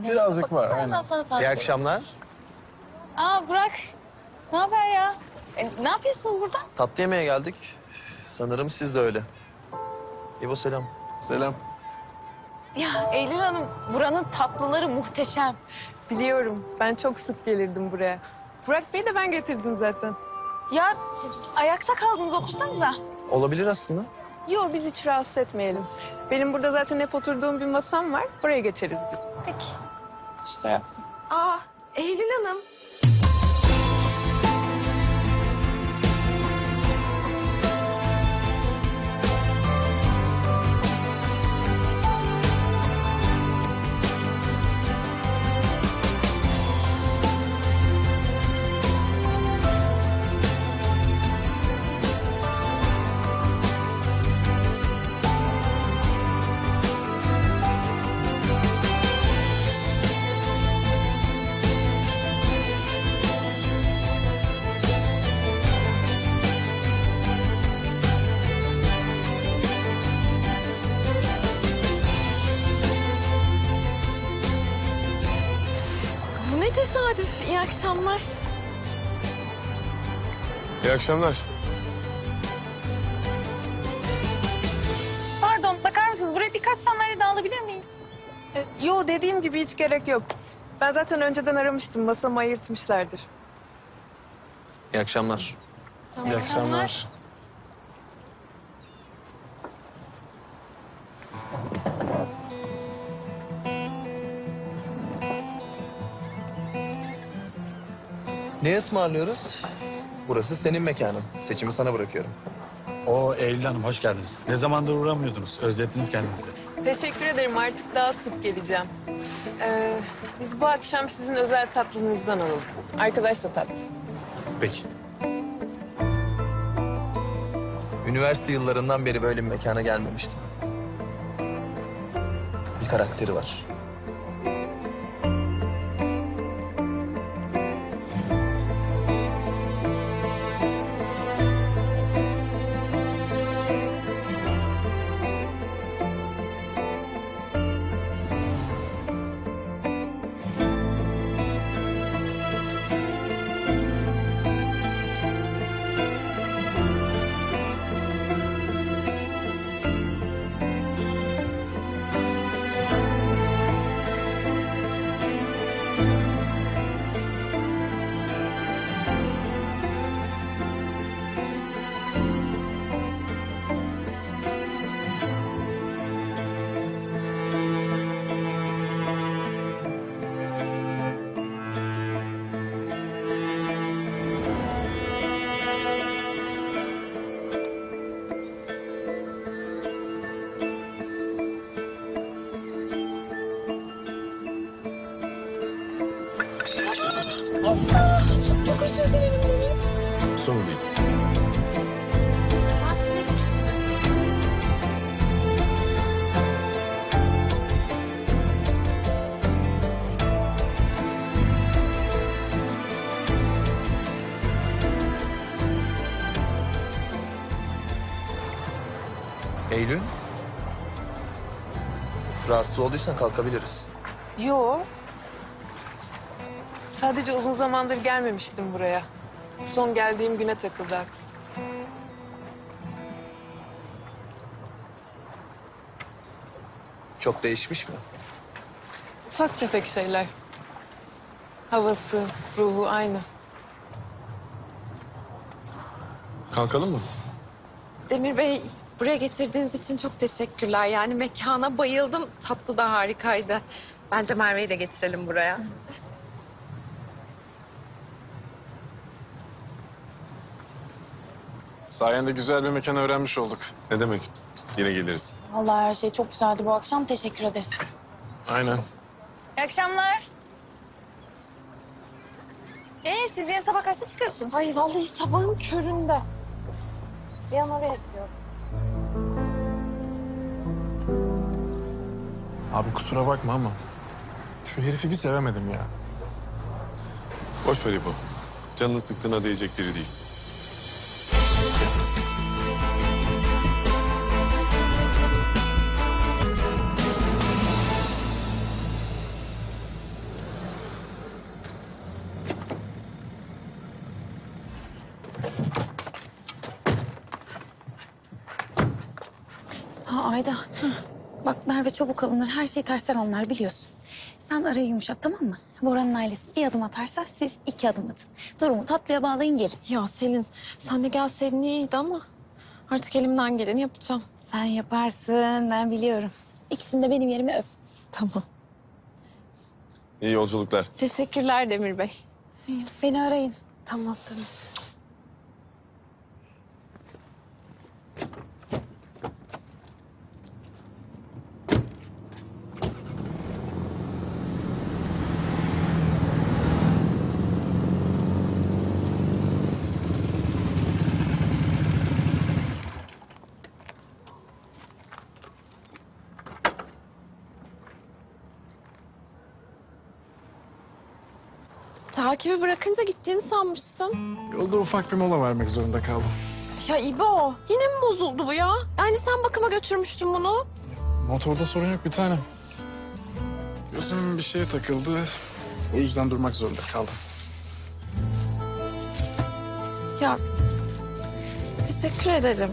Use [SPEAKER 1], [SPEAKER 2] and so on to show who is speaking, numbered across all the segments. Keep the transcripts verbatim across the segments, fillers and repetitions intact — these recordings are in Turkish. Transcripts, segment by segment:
[SPEAKER 1] Birazcık var,
[SPEAKER 2] Baksana,
[SPEAKER 1] aynen.
[SPEAKER 2] ben sana tarif
[SPEAKER 3] İyi
[SPEAKER 2] edeyim.
[SPEAKER 3] akşamlar.
[SPEAKER 2] Aa Burak. Ne haber ya? E, ne yapıyorsunuz burada?
[SPEAKER 3] Tatlı yemeye geldik. Sanırım siz de öyle. İbo selam.
[SPEAKER 1] Selam.
[SPEAKER 2] Ya Eylül Hanım, buranın tatlıları muhteşem.
[SPEAKER 4] Biliyorum. Ben çok sık gelirdim buraya. Burak Bey'i de ben getirdim zaten.
[SPEAKER 2] Ya ayakta kaldınız, otursanıza.
[SPEAKER 3] Olabilir aslında.
[SPEAKER 4] Yok, biz hiç rahatsız etmeyelim. Benim burada zaten hep oturduğum bir masam var. Buraya geçeriz biz.
[SPEAKER 2] Peki.
[SPEAKER 1] İşte.
[SPEAKER 4] Aa, Eylül Hanım.
[SPEAKER 2] Bu ne tesadüf. İyi akşamlar.
[SPEAKER 1] İyi akşamlar.
[SPEAKER 2] Pardon, bakar mısınız? Buraya birkaç sandalye daha alabilir miyim?
[SPEAKER 4] E, yo, dediğim gibi hiç gerek yok. Ben zaten önceden aramıştım. Masamı ayırtmışlardır.
[SPEAKER 3] İyi akşamlar.
[SPEAKER 1] İyi akşamlar.
[SPEAKER 3] Ne ısmarlıyoruz? Burası senin mekanın. Seçimi sana bırakıyorum.
[SPEAKER 5] O Eylül Hanım hoş geldiniz. Ne zamandır uğramıyordunuz. Özlettiniz kendinizi.
[SPEAKER 4] Teşekkür ederim. Artık daha sık geleceğim. Ee, biz bu akşam sizin özel tatlınızdan alalım. Arkadaş da tatlı.
[SPEAKER 5] Peki.
[SPEAKER 3] Üniversite yıllarından beri böyle bir mekana gelmemiştim. Bir karakteri var.
[SPEAKER 2] Çok özür dilerim benim.
[SPEAKER 5] Sorun değil.
[SPEAKER 3] Eylül. Rahatsız olduysan kalkabiliriz.
[SPEAKER 4] Yo. Sadece uzun zamandır gelmemiştim buraya. Son geldiğim güne takıldı aklım.
[SPEAKER 3] Çok değişmiş mi?
[SPEAKER 4] Ufak tefek şeyler. Havası, ruhu aynı.
[SPEAKER 1] Kalkalım mı?
[SPEAKER 2] Demir Bey, buraya getirdiğiniz için çok teşekkürler. Yani mekana bayıldım. Tatlı da harikaydı. Bence Merve'yi de getirelim buraya.
[SPEAKER 1] Sayende güzel bir mekan öğrenmiş olduk. Ne demek? Yine geliriz.
[SPEAKER 6] Vallahi her şey çok güzeldi bu akşam. Teşekkür ederiz.
[SPEAKER 1] Aynen.
[SPEAKER 2] İyi akşamlar. Ee, siz yarın sabah kaçta çıkıyorsunuz?
[SPEAKER 6] Ay vallahi sabahın köründe. Cihan oraya gidiyor.
[SPEAKER 1] Abi kusura bakma ama şu herifi bir sevemedim ya. Boş ver İbo. Canını sıktığına değecek biri değil.
[SPEAKER 7] Ha Ayda. Bak Merve çabuk alınır. Her şeyi tersten anlar biliyorsun. Sen arayı yumuşat tamam mı? Bora'nın ailesi bir adım atarsa siz iki adım atın. Durumu tatlıya bağlayın gelin.
[SPEAKER 2] Ya Selin sen de gelseydin iyiydi ama artık elimden geleni yapacağım.
[SPEAKER 7] Sen yaparsın ben biliyorum. İkisini de benim yerime öp.
[SPEAKER 2] Tamam.
[SPEAKER 1] İyi yolculuklar.
[SPEAKER 2] Teşekkürler Demir Bey.
[SPEAKER 7] Beni arayın.
[SPEAKER 2] Tamam tamam. Takibi bırakınca gittiğini sanmıştım.
[SPEAKER 1] Yolda ufak bir mola vermek zorunda kaldım.
[SPEAKER 2] Ya İbo yine mi bozuldu bu ya? Yani sen bakıma götürmüştün bunu.
[SPEAKER 1] Motorda sorun yok bir tane. Gözüm bir şeye takıldı. O yüzden durmak zorunda kaldım.
[SPEAKER 2] Ya teşekkür ederim.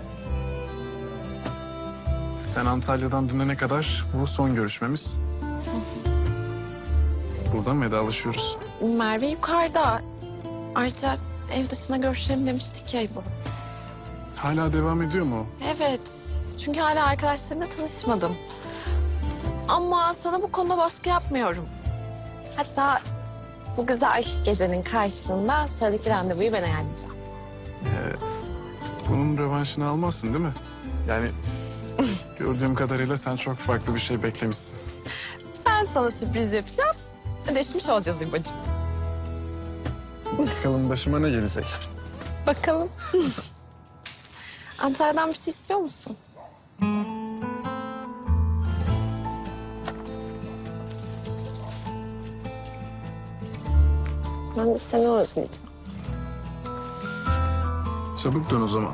[SPEAKER 1] Sen Antalya'dan dönene kadar bu son görüşmemiz. Buradan vedalaşıyoruz.
[SPEAKER 2] Merve yukarıda. Ayrıca ev dışına görüşelim demiştik ya İbo.
[SPEAKER 1] Hala devam ediyor mu?
[SPEAKER 2] Evet. Çünkü hala arkadaşlarımla tanışmadım. Ama sana bu konuda baskı yapmıyorum. Hatta bu güzel gecenin karşısında sıradaki randevuyu ben ayarlayacağım.
[SPEAKER 1] Ee, bunun rövanşını almazsın değil mi? Yani gördüğüm kadarıyla sen çok farklı bir şey beklemişsin.
[SPEAKER 2] Ben sana sürpriz yapacağım. Ödeşmiş olacağız İbo'cum.
[SPEAKER 1] Bakalım başıma ne gelecek?
[SPEAKER 2] Bakalım. Antalya'dan bir şey istiyor musun? Ben de seni özleyeceğim.
[SPEAKER 1] Çabuk dön o zaman.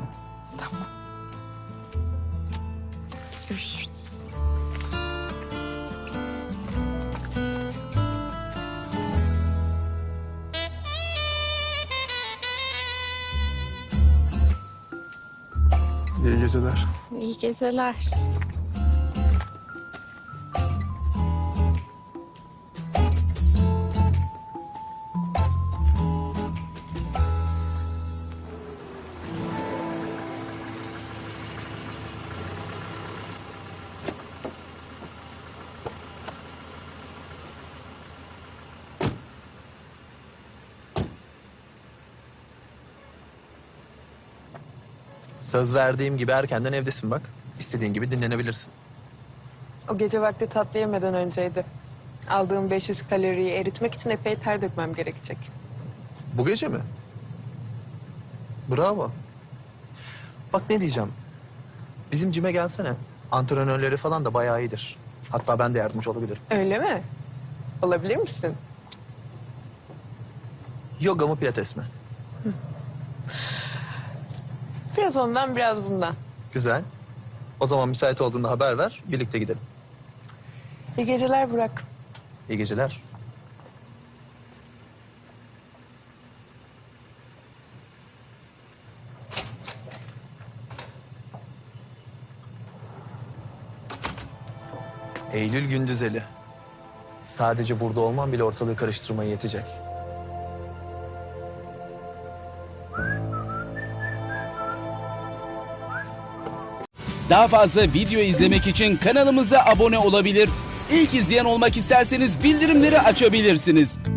[SPEAKER 2] Görüşürüz.
[SPEAKER 1] İyi geceler.
[SPEAKER 2] İyi geceler.
[SPEAKER 3] Söz verdiğim gibi erkenden evdesin bak. İstediğin gibi dinlenebilirsin.
[SPEAKER 4] O gece vakti tatlı yemeden önceydi. Aldığım beş yüz kaloriyi eritmek için epey ter dökmem gerekecek.
[SPEAKER 3] Bu gece mi? Bravo. Bak ne diyeceğim. Bizim cime gelsene. Antrenörleri falan da bayağı iyidir. Hatta ben de yardımcı olabilirim.
[SPEAKER 4] Öyle mi? Olabilir misin?
[SPEAKER 3] Yoga mı pilates mi?
[SPEAKER 4] Biraz ondan biraz bundan.
[SPEAKER 3] Güzel. O zaman müsait olduğunda haber ver. Birlikte gidelim.
[SPEAKER 4] İyi geceler Burak.
[SPEAKER 3] İyi geceler. Eylül Gündüzeli. Sadece burada olman bile ortalığı karıştırmaya yetecek.
[SPEAKER 8] Daha fazla video izlemek için kanalımıza abone olabilir. İlk izleyen olmak isterseniz bildirimleri açabilirsiniz.